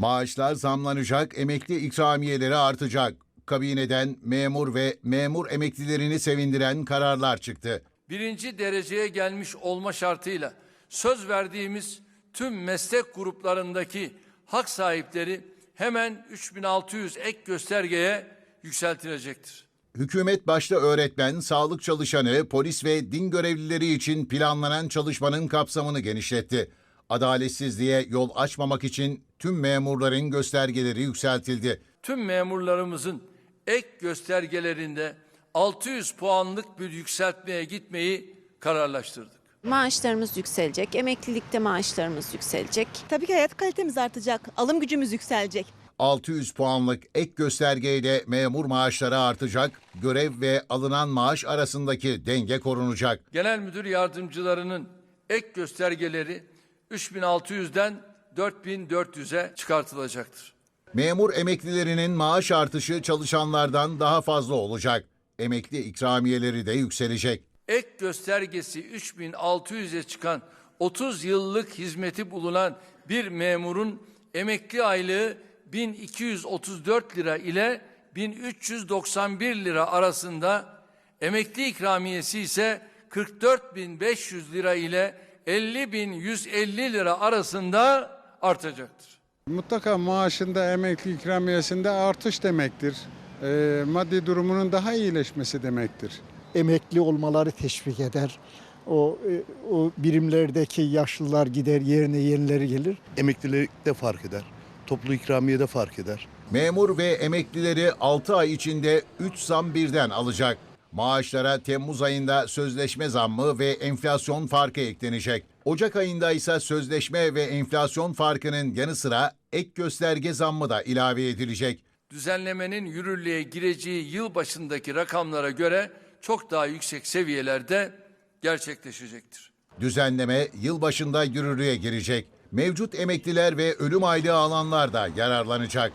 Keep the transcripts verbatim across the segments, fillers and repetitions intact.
Maaşlar zamlanacak, emekli ikramiyeleri artacak. Kabineden memur ve memur emeklilerini sevindiren kararlar çıktı. Birinci dereceye gelmiş olma şartıyla söz verdiğimiz tüm meslek gruplarındaki hak sahipleri hemen üç bin altı yüz ek göstergeye yükseltilecektir. Hükümet başta öğretmen, sağlık çalışanı, polis ve din görevlileri için planlanan çalışmanın kapsamını genişletti. Adaletsizliğe yol açmamak için tüm memurların göstergeleri yükseltildi. Tüm memurlarımızın ek göstergelerinde altı yüz puanlık bir yükseltmeye gitmeyi kararlaştırdık. Maaşlarımız yükselecek, emeklilikte maaşlarımız yükselecek. Tabii ki hayat kalitemiz artacak, alım gücümüz yükselecek. altı yüz puanlık ek göstergeyle memur maaşları artacak, görev ve alınan maaş arasındaki denge korunacak. Genel müdür yardımcılarının ek göstergeleri üç bin altı yüzden dört bin dört yüze çıkartılacaktır. Memur emeklilerinin maaş artışı çalışanlardan daha fazla olacak. Emekli ikramiyeleri de yükselecek. Ek göstergesi üç bin altı yüze çıkan otuz yıllık hizmeti bulunan bir memurun emekli aylığı bin iki yüz otuz dört lira ile bin üç yüz doksan bir lira arasında, emekli ikramiyesi ise kırk dört bin beş yüz lira ile elli bin yüz elli lira arasında artacaktır. Mutlaka maaşında, emekli ikramiyesinde artış demektir. E, maddi durumunun daha iyileşmesi demektir. Emekli olmaları teşvik eder. O, o birimlerdeki yaşlılar gider, yerine yenileri gelir. Emeklilik de fark eder. Toplu ikramiye de fark eder. Memur ve emeklileri altı ay içinde üç zam birden alacak. Maaşlara Temmuz ayında sözleşme zammı ve enflasyon farkı eklenecek. Ocak ayında ise sözleşme ve enflasyon farkının yanı sıra ek gösterge zammı da ilave edilecek. Düzenlemenin yürürlüğe gireceği yıl başındaki rakamlara göre çok daha yüksek seviyelerde gerçekleşecektir. Düzenleme yılbaşında yürürlüğe girecek. Mevcut emekliler ve ölüm aylığı alanlar da yararlanacak.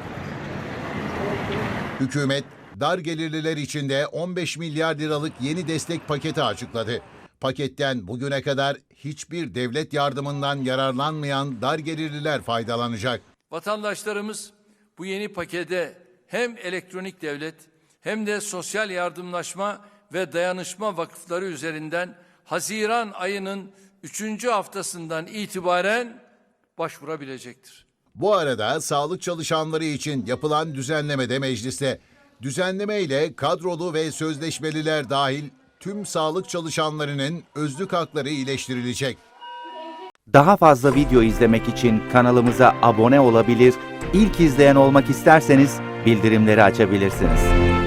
Hükümet, dar gelirliler için de on beş milyar liralık yeni destek paketi açıkladı. Paketten bugüne kadar hiçbir devlet yardımından yararlanmayan dar gelirliler faydalanacak. Vatandaşlarımız bu yeni pakete hem elektronik devlet hem de sosyal yardımlaşma ve dayanışma vakıfları üzerinden Haziran ayının üçüncü haftasından itibaren başvurabilecektir. Bu arada sağlık çalışanları için yapılan düzenleme de mecliste. Düzenleme ile kadrolu ve sözleşmeliler dahil tüm sağlık çalışanlarının özlük hakları iyileştirilecek. Daha fazla video izlemek için kanalımıza abone olabilir, ilk izleyen olmak isterseniz bildirimleri açabilirsiniz.